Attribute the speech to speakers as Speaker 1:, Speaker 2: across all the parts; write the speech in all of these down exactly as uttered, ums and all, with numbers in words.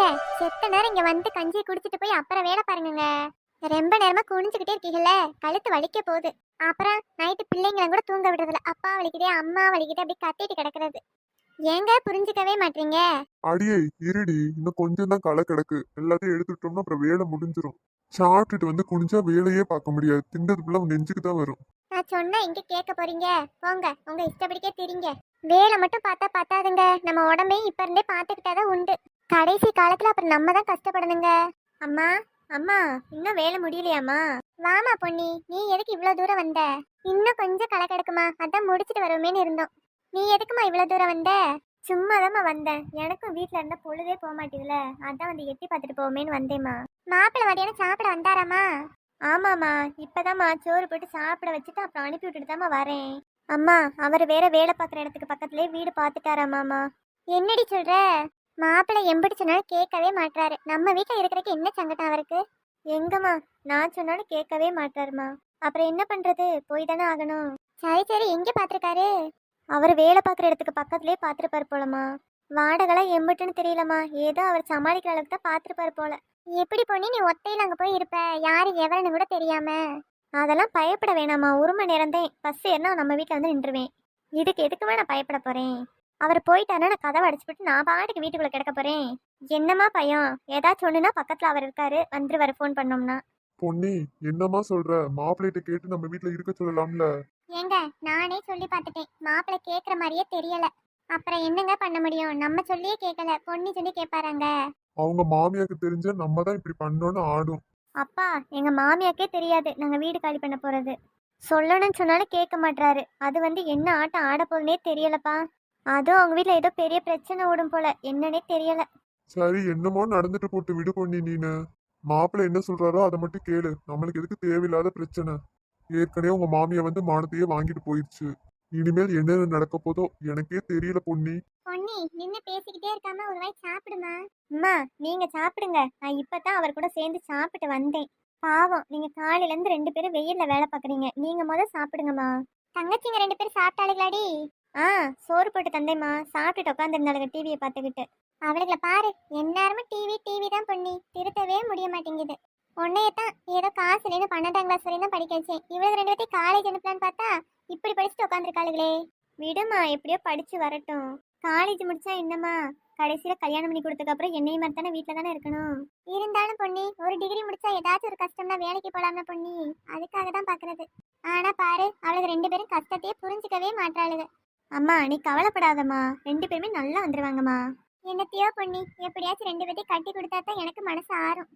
Speaker 1: ஏங்க செத்த நேரம் இங்க வந்து கஞ்சி குடிச்சிட்டு போய் அப்புறம் வேலை பாருங்க. ரொம்ப நேரமா குனிஞ்சுக்கிட்டே இருக்கீங்கல்ல, கழுத்து வலிக்க போகுது. அப்புறம் நைட்டு பிள்ளைங்களை கூட தூங்க விடுறதில்ல. அப்பா வலிக்குதே அம்மா வலிக்குதே அப்படி கத்திட்டு கிடக்குறது. ஏங்க புரிஞ்சுக்கவே மாட்டீங்க?
Speaker 2: அடியே இருடி, இன்னும் கொஞ்சம் தான் களை கிடக்கு. எல்லாத்தையும் எடுத்துட்டோம்னா அப்புறம் வேலை முடிஞ்சிரும். சாப்பிட்டுட்டு வந்து குனிஞ்சா வேலையே பார்க்க முடியாது. திண்டதுக்குள்ள நெஞ்சுக்கு தான் வரும்.
Speaker 1: நான் சொன்னா இங்க கேட்க போறீங்க? போங்க, உங்க இஷ்டப்படிக்கே தெரியுங்க. வேலை மட்டும் பார்த்தா பார்த்தாதுங்க, நம்ம உடம்பையும் இப்ப இருந்தே பார்த்துக்கிட்டாதான் உண்டு. கடைசி காலத்துல அப்புறம் நம்ம தான் கஷ்டப்படணுங்க. அம்மா அம்மா, இன்னும் வேலை முடியலையாம்மா? வாமா பொன்னி, நீ எதுக்கு இவ்வளவு தூரம் வந்த? இன்னும் கொஞ்சம் களை கிடக்குமா, அதான் முடிச்சிட்டு வருவோமேன்னு இருந்தோம். நீ எதுக்குமா இவ்வளவு தூரம் வந்த? சும்மாதாம்மா வந்தேன். எனக்கும் வீட்டுல இருந்தா பொழுதே போக மாட்டேதுல, அதான் வந்து எட்டி பார்த்துட்டு போவோமேன்னு வந்தேம்மா. மாப்பிள்ளை மதியானம் சாப்பிட வந்தாராமா? ஆமாம்மா, இப்பதாம்மா சோறு போட்டு சாப்பிட வச்சுட்டு அப்புறம் அனுப்பி விட்டுட்டு தாம்மா வரேன். அம்மா, அவர் வேற வேலை பார்க்குற இடத்துக்கு பக்கத்துலேயே வீடு பார்த்துட்டாராமாம்மா. என்னடி சொல்ற? மாப்பிள்ளை எம்பிடி சொன்னாலும் கேட்கவே மாட்டாரு. நம்ம வீட்டில் இருக்கிறதுக்கு என்ன சங்கடம் அவருக்கு? எங்கம்மா, நான் சொன்னாலும் கேட்கவே மாட்டாருமா. அப்புறம் என்ன பண்றது, போய் தானே ஆகணும். சரி சரி, எங்கே பார்த்துருக்காரு? அவர் வேலை பார்க்குற இடத்துக்கு பக்கத்துலேயே பார்த்துருப்பாரு போலம்மா. வாடகைலாம் எம்பிட்டுன்னு தெரியலம்மா, ஏதோ அவர் சமாளிக்கிற அளவுக்கு தான் பார்த்துருப்பாரு போல. எப்படி பொண்ணி நீ ஒத்தையில் அங்கே போய் இருப்ப, யாரு எவரன்னு கூட தெரியாம? அதெல்லாம் பயப்பட வேணாம்மா, ஒரு மணி நேரம் தான் பஸ் ஏறினா நம்ம வீட்டில் வந்து நின்றுவேன். இதுக்கு எதுக்குமே நான் பயப்பட போகிறேன். அவர் போயிட்டாருன்னா நான் கதவை அடிச்சுட்டு நான் பாட்டுக்கு வீட்டுக்குள்ளே கிடக்க போகிறேன். என்னம்மா பயம்? ஏதாச்சும் ஒன்றுனா பக்கத்தில் அவர் இருக்காரு, வந்துருவாரு ஃபோன் பண்ணோம்னா.
Speaker 2: பொன்னி, என்னம்மா சொல்ற? மாப்பிள்ளைகிட்ட கேட்டு நம்ம வீட்டுல இருக்க சொல்லலாம்ல.
Speaker 1: ஏங்க, நானே சொல்லி பார்த்துட்டேன், மாப்பிள்ளை கேட்குற மாதிரியே தெரியல. அப்புறம் என்னங்க பண்ண முடியும்? நம்ம சொல்லியே கேட்கல, பொண்ணி சொல்லி கேட்பாராங்க.
Speaker 2: அவங்க மாமியாருக்கு தெரிஞ்ச நம்ம தான் இப்படி பண்ணோன்னு ஆடும்.
Speaker 1: அப்பா, எங்க மாமியாக்கே தெரியாது நாங்க வீடு காலி பண்ண போறது. சொல்லணும்னு சொன்னாலும் கேட்க மாட்டாரு. அது வந்து என்ன ஆட்டம் ஆட போகுதுன்னே தெரியலப்பா. அதுவும் அவங்க வீட்டுல ஏதோ பெரிய பிரச்சனை ஓடும் போல, என்னன்னே தெரியல.
Speaker 2: சரி, என்னமோ நடந்துட்டு போட்டு விடு பொன்னி. நீனு மாப்பிள்ளை என்ன சொல்றாரோ அதை மட்டும் கேளு. நம்மளுக்கு எதுக்கு தேவையில்லாத பிரச்சனை? ஏற்கனவே உங்க மாமியா வந்து மானத்தையே வாங்கிட்டு போயிடுச்சு. இனிமேல் என்ன நடக்க போதோ எனக்கே தெரியல பொன்னி.
Speaker 1: பொன்னி, நின்னு பேசிக்கிட்டே இருக்காம ஒரு வாய் சாப்பிடுமா. அம்மா, நீங்க சாப்பிடுங்க, நான் இப்பதான் அவர் கூட சேர்ந்து சாப்பிட்டு வந்தேன். பாவம், நீங்க காலையில இருந்து ரெண்டு பேரும் வெயில்ல வேலை பாக்குறீங்க, நீங்க முத சாப்பிடுங்கம்மா. தங்கச்சிங்க ரெண்டு பேரும் சாப்பிட்டாளுங்களாடி? ஆ, சோறு போட்டு தந்தேம்மா, சாப்பிட்டுட்டு உட்காந்துருந்தாளுங்க டிவியை பார்த்துக்கிட்டு. அவளுகளை பாரு, எந்நேரமும் டிவி டிவி தான் பொன்னி, திருத்தவே முடிய மாட்டேங்குது. உன்னையத்தான் ஏதோ காசு இல்லைன்னு பன்னெண்டாம் கிளாஸ் வரையும் தான் படிக்க வச்சேன். இவ்வளவு ரெண்டு பேர்த்தையும் காலேஜ் அனுப்பலான்னு பார்த்தா இப்படி படிச்சுட்டு உட்காந்துருக்காளுங்களே. விடுமா, எப்படியோ படிச்சு வரட்டும். காலேஜ் முடிச்சா என்னம்மா, கடைசியில கல்யாணம் பண்ணி கொடுத்ததுக்கு அப்புறம் என்னைய மாதிரி தானே வீட்டில் தானே இருக்கணும். இருந்தாலும் பொன்னி, ஒரு டிகிரி முடிச்சா ஏதாச்சும் ஒரு கஷ்டம்னா வேலைக்கு போலாம்னா பொன்னி, அதுக்காக தான் பாக்குறது. ஆனா பாரு, அவளுக்கு ரெண்டு பேரும் கஷ்டத்தையே புரிஞ்சுக்கவே மாட்டாளுங்க. அம்மா, நீ கவலைப்படாதம்மா, ரெண்டு பேருமே நல்லா வந்துருவாங்கம்மா. என்னத்தையோ பொன்னி, எப்படியாச்சும் ரெண்டு பேர்த்தையும் கட்டி கொடுத்தா தான் எனக்கு மனசு ஆறும்.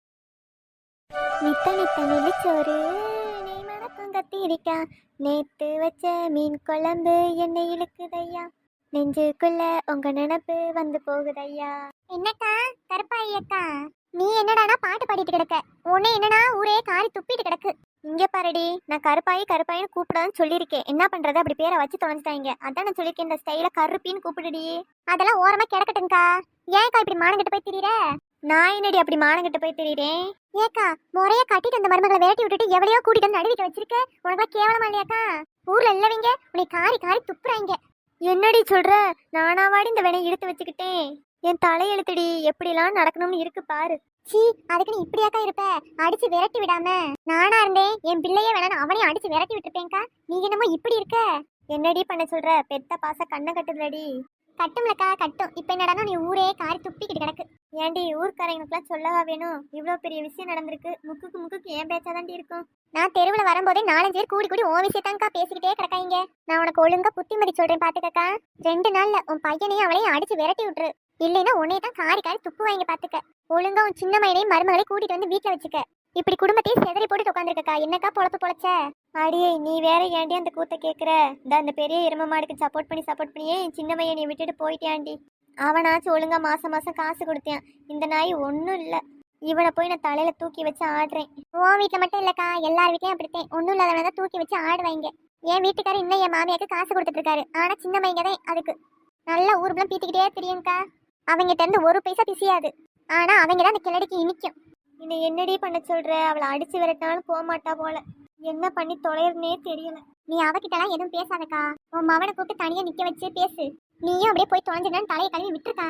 Speaker 1: நித்த நித்த நெல்லிச்சோறு நெய் மணக்கும் கத்திரிக்கா, நேத்து வச்ச மீன் குழம்பு என்னை இழுக்குதையா, நெஞ்சுக்குள்ள உங்க நினப்பு வந்து போகுதையா. என்னக்கா கருப்பாயி அக்கா, நீ என்னடானா பாட்டு பாடிட்டு கிடக்க? உன்னை என்னடா ஊரே காரி துப்பிட்டு கிடக்கு. இங்க பாருடி, நான் கருப்பாயி கருப்பாயின்னு கூப்பிடான்னு சொல்லியிருக்கேன். என்ன பண்றது, அப்படி பேரை வச்சு தொலைஞ்சிட்டாங்க. அதான் நான் சொல்லியிருக்கேன், இந்த ஸ்டைல கருப்பின்னு கூப்பிடுடி. அதெல்லாம் ஓரமா கிடக்கட்டுங்கக்கா. ஏன்க்கா இப்படி மானங்கிட்டு போய் திரியிற? நான் என்னடி அப்படி மானங்கிட்ட போய் தெரியுறேன்? ஏக்கா, முறைய கட்டிட்டு அந்த மருமகளை விரட்டி விட்டுட்டு எவ்வளையோ கூட்டிட்டு வந்து நடுவிக்க வச்சிருக்க. உனக்கு கேவலமா இல்லையாக்கா? ஊர்ல இல்லவங்க உன்னை காரி காரி துப்புறாங்க. என்னடி சொல்ற? நானாவாடி இந்த வேலையை இழுத்து வச்சுக்கிட்டேன். என் தலையெழுத்துடி, எப்படிலாம் நடக்கணும்னு இருக்கு பாரு. சீ, அதுக்கு நீ இப்படியாக்கா இருப்ப? அடிச்சு விரட்டி விடாம நானா இருந்தேன் என் பிள்ளையே வேணான்னு அவனையும் அடிச்சு விரட்டி விட்டுருப்பேன்க்கா. நீ என்னமோ இப்படி இருக்க. என்னடி பண்ண சொல்ற? பெத்த பாச கண்ணை கட்டுதுலடி. கட்டும்லக்கா கட்டும். இப்ப என்னடா நீ ஊரே காரி துப்பிக்கிட்டு கிடக்கு. ஏண்டி, ஊர்க்காரங்களுக்குலாம் சொல்லவா வேணும்? இவ்வளோ பெரிய விஷயம் நடந்திருக்கு, முக்குக்கு முக்குக்கு ஏன் பேச்சாதாண்டி இருக்கும். நான் தெருவில் வரும்போதே நாலஞ்சு பேர் கூடி கூடி உன் விஷயத்தாங்கக்கா பேசிக்கிட்டே கிடக்காங்க. நான் உனக்கு ஒழுங்கா புத்திமதி சொல்றேன் பாத்துக்கக்கா. ரெண்டு நாள்ல உன் பையனையும் அவளையும் அடிச்சு விரட்டி விட்டுரு. இல்லைன்னா உன்னையே தான் காரி காரி துப்பு வாங்கி பாத்துக்க. ஒழுங்கா உன் சின்ன மயிலையும் மருமகளை கூட்டிட்டு வந்து வீட்டுல வச்சுக்க. இப்படி குடும்பத்தையும் செதறி போட்டு உட்காந்துருக்கா. என்னக்கா பொழப்பு பொழைச்ச? அடியே, நீ வேற ஏன்டி அந்த கூத்த கேக்குற? இந்த அந்த பெரிய எரும மாடுக்கு சப்போர்ட் பண்ணி சப்போர்ட் பண்ணியே சின்ன பையனை விட்டுட்டு போயிட்டான்டி. அவனாச்சும் ஒழுங்கா மாசம் மாசம் காசு கொடுத்தேன். இந்த நாய் ஒன்றும் இல்லை. இவனை போய் நான் தலையில தூக்கி வச்சு ஆடுறேன். உன் வீட்டில் மட்டும் இல்லக்கா, எல்லார் வீட்லையும் அப்படித்தேன். ஒன்றும் இல்லாதவனை தான் தூக்கி வச்சு ஆடுவாங்க. என் வீட்டுக்காரர் இன்னும் என் மாமியாருக்கு காசு கொடுத்துட்டு இருக்காரு. ஆனா சின்ன பையங்க தான் அதுக்கு நல்லா ஊருக்குலாம் பீத்திக்கிட்டே தெரியும்க்கா. அவங்கிட்ட இருந்து ஒரு பைசா பிசியாது. ஆனா அவங்க தான் அந்த கிளடிக்கு இனிக்கும். இன்னும் என்னடி பண்ண சொல்ற? அவளை அடிச்சு விரட்டினாலும் போக மாட்டா போல. என்ன பண்ணி தொலைறனே தெரியல. நீ அவகிட்டலாம் எதுவும் பேசாதக்கா. உன் மவனை கூப்பிட்டு தனியா நிக்க வச்சு பேசு. நீயும் அப்படியே போய் தொலைஞ்சிடன்னு தலையை கழுவி விட்டுருக்கா.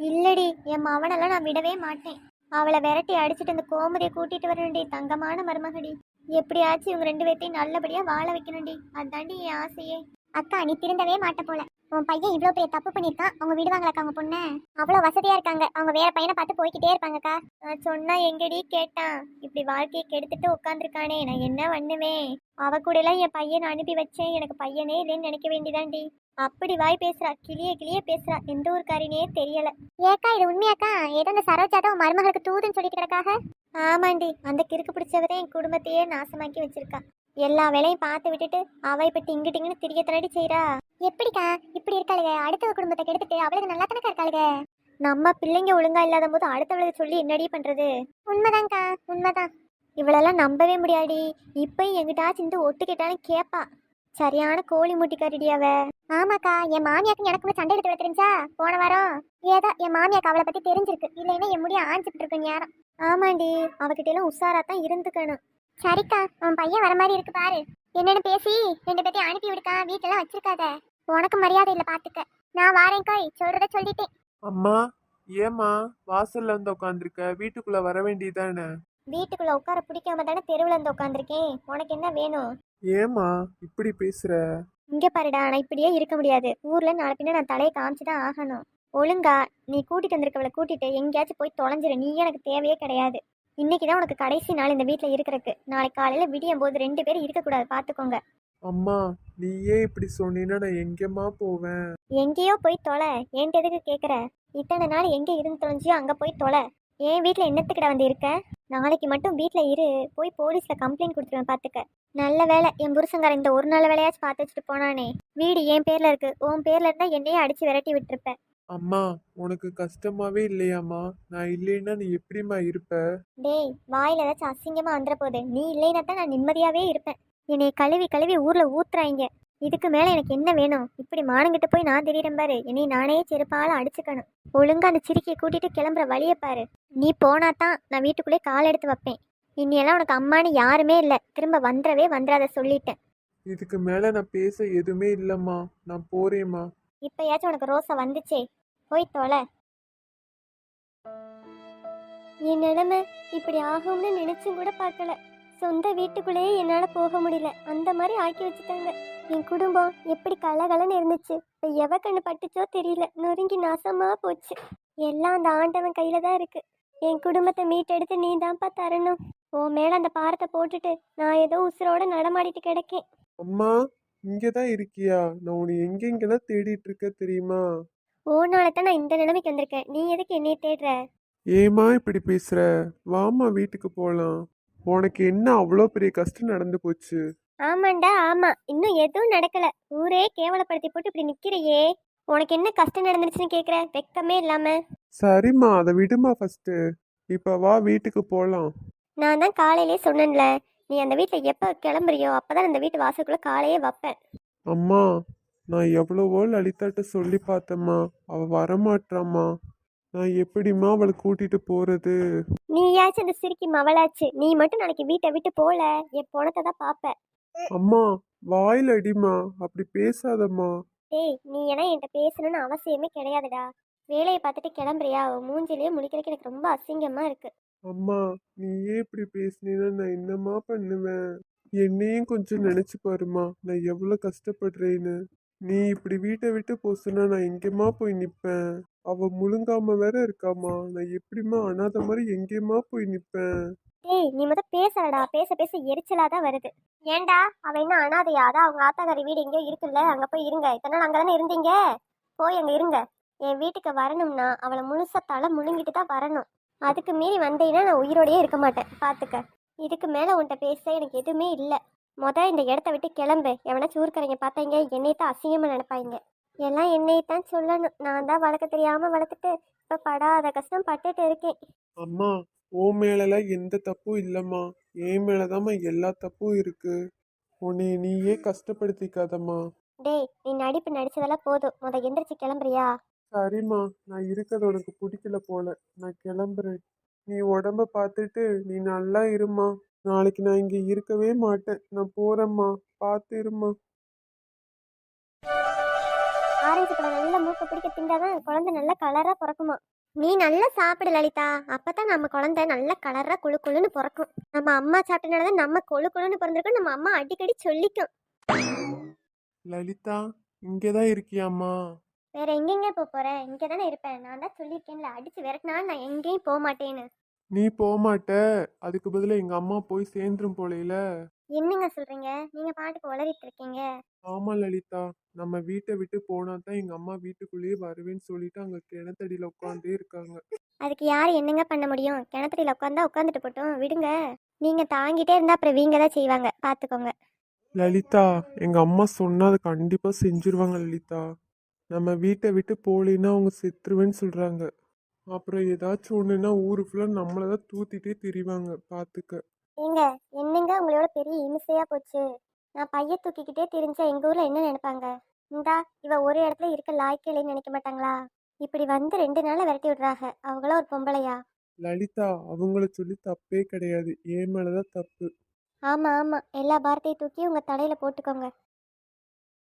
Speaker 1: இல்லடி, என் மவனெல்லாம் நான் விடவே மாட்டேன். அவளை விரட்டி அடிச்சுட்டு அந்த கோமதியை கூட்டிட்டு வரணும்டி. தங்கமான மருமகடி. எப்படியாச்சும் இவங்க ரெண்டு பேர்த்தையும் நல்லபடியா வாழ வைக்கணும்டி. அதாண்டி என் ஆசையே. அக்கா, நீ திருந்தவே மாட்ட போல. உன் பையன் இவ்வளோ பெரிய தப்பு பண்ணியிருக்கான். அவங்க விடுவாங்களாக்கா அவங்க பொண்ணை? அவ்வளோ வசதியா இருக்காங்க. அவங்க வேற பையனை பார்த்து போய்கிட்டே இருப்பாங்கக்கா. நான் சொன்னா எங்கடி கேட்டான்? இப்படி வாழ்க்கையை கெடுத்துட்டு உட்காந்துருக்கானே, நான் என்ன பண்ணுவேன்? அவ கூட எல்லாம் என் பையனை அனுப்பி வச்சேன். எனக்கு பையனே இல்லைன்னு நினைக்க வேண்டியதாண்டி. அப்படி வாய் பேசுறா, கிளிய கிளிய பேசுறா. எந்த ஒரு காரினே தெரியல. ஏக்கா, இது உண்மையாக்கா? ஏதோ அந்த சரோஜா தான் உன் மருமகளுக்கு தூதுன்னு சொல்லிட்டு கிடக்காக. ஆமாண்டி, அந்த கிறுக்கு பிடிச்சவரே என் குடும்பத்தையே நாசமாக்கி வச்சிருக்கா. எல்லா வேலையும் பார்த்து விட்டுட்டு அவ இப்ப டிங்கு டிங்குன்னு திரிய தனடி செய்யறா. எப்படிக்கா இப்படி இருக்காளுக? அடுத்த குடும்பத்தை கெடுத்துட்டு அவளுக்கு நல்லா தானக்கா இருக்காளுக. நம்ம பிள்ளைங்க ஒழுங்கா இல்லாத போது அடுத்தவளுக்கு சொல்லி என்னடி பண்றது? உண்மைதான்க்கா, உண்மைதான். இவளெல்லாம் நம்பவே முடியாடி. இப்பயும் எங்கிட்டாச்சும் இந்த ஒட்டு கேட்டாலும் கேப்பா. சரியான கோழி முட்டிக்காரிடி அவ. ஆமாக்கா, என் மாமியாக்கு எனக்குமே சண்டை எடுத்து தெரிஞ்சா போன வாரம். ஏதோ என் மாமியாக்கு அவளை பத்தி தெரிஞ்சிருக்கு. இல்லைன்னா என் முடிய ஆஞ்சிட்டு இருக்கு நேரம். ஆமாண்டி, அவகிட்ட எல்லாம் உஷாரா தான் இருந்துக்கணும். சரிக்கா, உன் பையன் வர மாதிரி இருக்கு பாரு. என்னன்னு பேசி ரெண்டு பேர்த்தையும் அனுப்பி விடுக்கா. வீட்டெல்லாம் வச்சிருக்காத. உனக்கு மரியாதை இல்லை பாத்துக்க. நான் வாரேன்காய், சொல்றத சொல்லிட்டேன்.
Speaker 3: அம்மா, ஏம்மா வாசல்ல வந்து உட்காந்துருக்க? வீட்டுக்குள்ள வர வேண்டியதானே?
Speaker 1: வீட்டுக்குள்ள உட்கார பிடிக்காம தானே தெருவில் வந்து உட்காந்துருக்கேன். உனக்கு என்ன வேணும்?
Speaker 3: ஏம்மா இப்படி பேசுற?
Speaker 1: இங்க பாருடா, நான் இப்படியே இருக்க முடியாது. ஊர்ல நாளை பின்ன நான் தலையை காமிச்சுதான் ஆகணும். ஒழுங்கா நீ கூட்டிட்டு வந்திருக்கவளை கூட்டிட்டு எங்கேயாச்சும் போய் தொலைஞ்சிரு. நீ எனக்கு தேவையே கிடையாது. இன்னைக்குதான் உனக்கு கடைசி நாள் இந்த வீட்டுல இருக்கிறதுக்கு. நாளைக்கு காலையில விடியும் போது ரெண்டு பேரும் இருக்கக்கூடாது, பாத்துக்கோங்க.
Speaker 3: அம்மா, நீ ஏன் இப்படி சொன்னீன்னா நான் எங்கேம்மா போவேன்?
Speaker 1: எங்கேயோ போய் தொலை. என்கிட்ட எதுக்கு கேக்குற? இத்தனை நாள் எங்க இருந்து தொலைஞ்சியோ அங்க போய் தொலை. என் வீட்டுல என்னத்துக்கிட்ட வந்து இருக்க? நாளைக்கு மட்டும் வீட்டுல இரு. போய் போலீஸ்ல கம்ப்ளைண்ட் கொடுத்துருவேன் பாத்துக்க. நல்ல வேலை என் புருஷங்கார இந்த ஒரு நாள் வேலையாச்சும் பார்த்து வச்சுட்டு போனானே. வீடு என் பேர்ல இருக்கு. உன் பேர்ல இருந்தா என்னையே அடிச்சு விரட்டி விட்டுருப்ப.
Speaker 3: அம்மா, உனக்கு கஷ்டமாவே இல்லையாம்மா? நான் இல்லைன்னா நீ எப்படிம்மா இருப்ப?
Speaker 1: டேய், வாயில ஏதாச்சும் அசிங்கமா வந்துட போகுது. நீ இல்லைன்னா தான் நான் நிம்மதியாவே இருப்பேன். என்னை கழுவி கழுவி ஊர்ல ஊத்துறாங்க. இதுக்கு மேல எனக்கு என்ன வேணும்? இப்படி மானங்கிட்ட போய் நான் திடீரன் பாரு. என்னை நானே செருப்பால அடிச்சுக்கணும். ஒழுங்கா அந்த சிரிக்கையை கூட்டிட்டு கிளம்புற வழிய பாரு. நீ போனாதான் நான் வீட்டுக்குள்ளே கால் எடுத்து வைப்பேன். இன்னையெல்லாம் உனக்கு அம்மானு யாருமே இல்லை. திரும்ப வந்துடவே வந்துடாத சொல்லிட்டேன்.
Speaker 3: இதுக்கு மேல நான் பேச எதுவுமே இல்லம்மா. நான் போறேம்மா.
Speaker 1: இப்பயாச்சும் உனக்கு ரோசை வந்துச்சே, போய் தொலை. என் நிலைமை இப்படி ஆகும்னு நினைச்சும் கூட பார்க்கல. சொந்த வீட்டுக்குள்ளேயே என்னால போக முடியல. அந்த மாதிரி ஆக்கி வச்சுட்டாங்க. என் குடும்பம் எப்படி கலகலன்னு இருந்துச்சு, இப்போ எவ கண்ணு பட்டுச்சோ தெரியல. நொறுங்கி நாசமா போச்சு. எல்லாம் அந்த ஆண்டவன் கையில தான் இருக்கு. என் குடும்பத்தை மீட்டெடுத்து நீ தான்ப்பா தரணும். உன் மேல அந்த பாரத்தை போட்டுட்டு நான் ஏதோ உசுரோட நடமாடிட்டு கிடக்கேன்.
Speaker 3: அம்மா, இங்கதான் இருக்கியா? நான் உன்னை எங்கெங்கெல்லாம் தேடிட்டு இருக்க தெரியுமா?
Speaker 1: ஓனாலதான் நான் இந்த நிலைமைக்கு வந்திருக்கேன். நீ எதுக்கு என்னைய தேடுற?
Speaker 3: ஏமா இப்படி பேசுற? வாமா வீட்டுக்கு போலாம். உனக்கு என்ன அவ்வளோ பெரிய கஷ்டம் நடந்து போச்சு?
Speaker 1: ஆமாண்டா, ஆமா. இன்னும் எதுவும் நடக்கல. ஊரே கேவலப்படுத்தி போட்டு இப்படி நிக்கிறையே. உனக்கு என்ன கஷ்டம் நடந்துருச்சுன்னு கேக்குற? வெக்கமே இல்லாம.
Speaker 3: சரிம்மா, அதை விடுமா ஃபர்ஸ்ட். இப்ப வா வீட்டுக்கு போலாம்.
Speaker 1: நான் தான் காலையிலே சொன்னேன்ல, நீ அந்த வீட்டுல எப்ப கிளம்புறியோ அப்பதான் அந்த வீட்டு வாசலுக்குள்ள காலையே வைப்பேன்.
Speaker 3: அம்மா, நான் எவ்வளவோ லலிதாட்ட சொல்லி பார்த்தம்மா. அவ வரமாட்டாம்மா. நான் எப்படிம்மா அவளை கூட்டிட்டு போறது?
Speaker 1: நீயாச்சும் அந்த சிரிக்கி மவளாச்சு. நீ மட்டும் நாளைக்கு வீட்டை விட்டு போல, என் பொணத்தை தான் பாப்ப.
Speaker 3: அம்மா, வாயில் அடிமா, அப்படி பேசாதம்மா.
Speaker 1: டேய், நீ ஏன்னா என்கிட்ட பேசணும்னு அவசியமே கிடையாதுடா. வேலையை பார்த்துட்டு கிளம்புறியா? மூஞ்சிலேயே முழிக்கிறதுக்கு எனக்கு ரொம்ப அசிங்கமா இருக்கு.
Speaker 3: அம்மா, நீ ஏன் இப்படி பேசினீன்னா நான் என்னம்மா பண்ணுவேன்? என்னையும் கொஞ்சம் நினைச்சு பாருமா, நான் எவ்வளவு கஷ்டப்படுறேன்னு. நீ இப்படி வீட்டை விட்டு போசுனா நான் எங்கேம்மா போய் நிப்பேன்? அவ முழுங்காம வேற இருக்காமா. நான் எப்படிம்மா அனாதை மாதிரி எங்கேம்மா போய் நிப்பேன்?
Speaker 1: டேய், நீ முத பேசலடா. பேச பேச எரிச்சலா தான் வருது. ஏன்டா, அவ என்ன அனாதையா? அதான் அவங்க ஆத்தாக்காரி வீடு எங்கேயோ இருக்குல்ல, அங்க போய் இருங்க. இத்தனை நாள் அங்கதானே இருந்தீங்க, போய் அங்க இருங்க. என் வீட்டுக்கு வரணும்னா அவளை முழுசா தலை முழுங்கிட்டு தான் வரணும். அதுக்கு மீறி வந்தீங்கன்னா நான் உயிரோடயே இருக்க மாட்டேன், பாத்துக்க. இதுக்கு மேல உன்கிட்ட பேச எனக்கு எதுவுமே இல்லை. முத இந்த இடத்த விட்டு கிளம்பு. எவனா சூர்க்கரைங்க பார்த்தாங்க என்னை தான் அசிங்கமா நினைப்பாங்க. எல்லாம் என்னைத்தான் சொல்லணும். நான் தான் வளர்க்க தெரியாம வளர்த்துட்டு இப்ப படாத கஷ்டம் பட்டுட்டு இருக்கேன்.
Speaker 3: அம்மா, ஓ மேலலாம் எந்த தப்பும் இல்லம்மா. என் மேலதாம்மா எல்லா தப்பும் இருக்கு. உன்னை நீயே கஷ்டப்படுத்திக்காதம்மா.
Speaker 1: டேய், நீ நடிப்பு நடிச்சதெல்லாம் போதும். முத எந்திரிச்சு கிளம்புறியா?
Speaker 3: சரிம்மா, நான் இருக்கிறது உனக்கு பிடிக்கல போல. நான் கிளம்புறேன். நீ உடம்ப பார்த்துட்டு நீ நல்லா இருமா. நாளைக்கு நான் இங்க இருக்கவே மாட்டேன். நான் போறேம்மா, பார்த்து இருமா.
Speaker 1: ஆரஞ்சு பழம் நல்லா மூக்கு பிடிக்க திண்டாதான் குழந்தை நல்ல கலரா பிறக்குமா. நீ நல்லா சாப்பிடு லலிதா, அப்பதான் நம்ம குழந்தை நல்ல கலரா குழு குழுன்னு பிறக்கும். நம்ம அம்மா சாப்பிட்டனாலதான் நம்ம கொழு குழுன்னு பிறந்திருக்கோம். நம்ம அம்மா அடிக்கடி சொல்லிக்கும்.
Speaker 3: லலிதா இங்கேதான் இருக்கியாம்மா?
Speaker 1: வேற எங்கெங்க போக போறேன்? இங்கே தானே இருப்பேன். நான் தான் சொல்லியிருக்கேன்ல, அடிச்சு விரட்டினாலும் நான் எங்கேயும் போக மாட்டேன்னு.
Speaker 3: நீ போக மாட்ட, அதுக்கு பதிலா எங்க அம்மா போய் சேர்ந்துரும் போலையில.
Speaker 1: என்னங்க சொல்றீங்க? நீங்க பாட்டுக்கு உளறிட்டு இருக்கீங்க.
Speaker 3: ஆமா லலிதா, நம்ம வீட்டை விட்டு போனா தான் எங்க அம்மா வீட்டுக்குள்ளேயே வருவேன்னு சொல்லிட்டு அங்க கிணத்தடியில உட்காந்தே இருக்காங்க.
Speaker 1: அதுக்கு யார் என்னங்க பண்ண முடியும்? கிணத்துடியில் உட்காந்தா உட்காந்துட்டு போட்டோம், விடுங்க. நீங்க தாங்கிட்டே இருந்தா அப்புறம் வீங்க தான் செய்வாங்க, பாத்துக்கோங்க.
Speaker 3: லலிதா எங்க அம்மா சொன்னா அதை கண்டிப்பா செஞ்சிருவாங்க லலிதா. நம்ம வீட்டை விட்டு போலின்னா அவங்க செத்துருவேன்னு சொல்றாங்க. அப்புறம் ஏதாச்சும் ஒண்ணுன்னா ஊரு ஃபுல்லா நம்மளதான் தூத்திட்டே திரிவாங்க, பாத்துக்க.
Speaker 1: ஏங்க, என்னங்க உங்களோட பெரிய இமிசையா போச்சு. நான் பைய தூக்கிக்கிட்டே திரிஞ்சா எங்க ஊர்ல என்ன நினைப்பாங்க? இந்தா இவ ஒரு இடத்துல இருக்க லாய்க்கில்லைன்னு நினைக்க மாட்டாங்களா? இப்படி வந்து ரெண்டு நாள்ல விரட்டி விடுறாங்க. அவங்கள ஒரு பொம்பளையா?
Speaker 3: லலிதா அவங்கள சொல்லி தப்பே கிடையாது, என் மேலதான் தப்பு.
Speaker 1: ஆமா ஆமா, எல்லா பாரத்தையும் தூக்கி உங்க தலையில போட்டுக்கோங்க.